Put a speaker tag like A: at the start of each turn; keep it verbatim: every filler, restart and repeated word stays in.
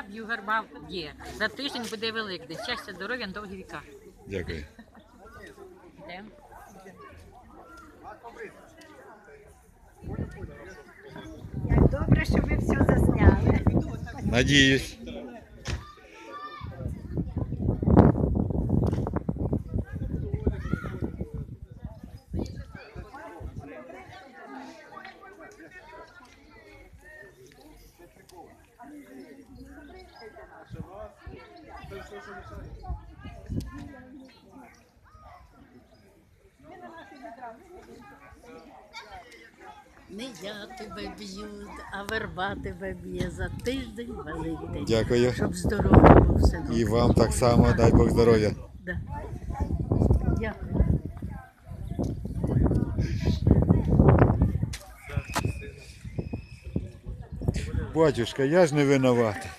A: життя в югарба є. За тиждень буде Великдень. Щастя, здоров'я, на довгі віка.
B: Дякую.
A: Йдемо.
C: Як добре, що ви все засняли.
B: Надіюсь.
D: Не я тебе б'ю, а верба тебе б'є за тиждень Великдень.
B: Дякую.
D: Щоб здоров'я було все добре.
B: І вам так само, дай Бог здоров'я.
D: Да. Дякую.
B: Батюшка, я ж не винуватий.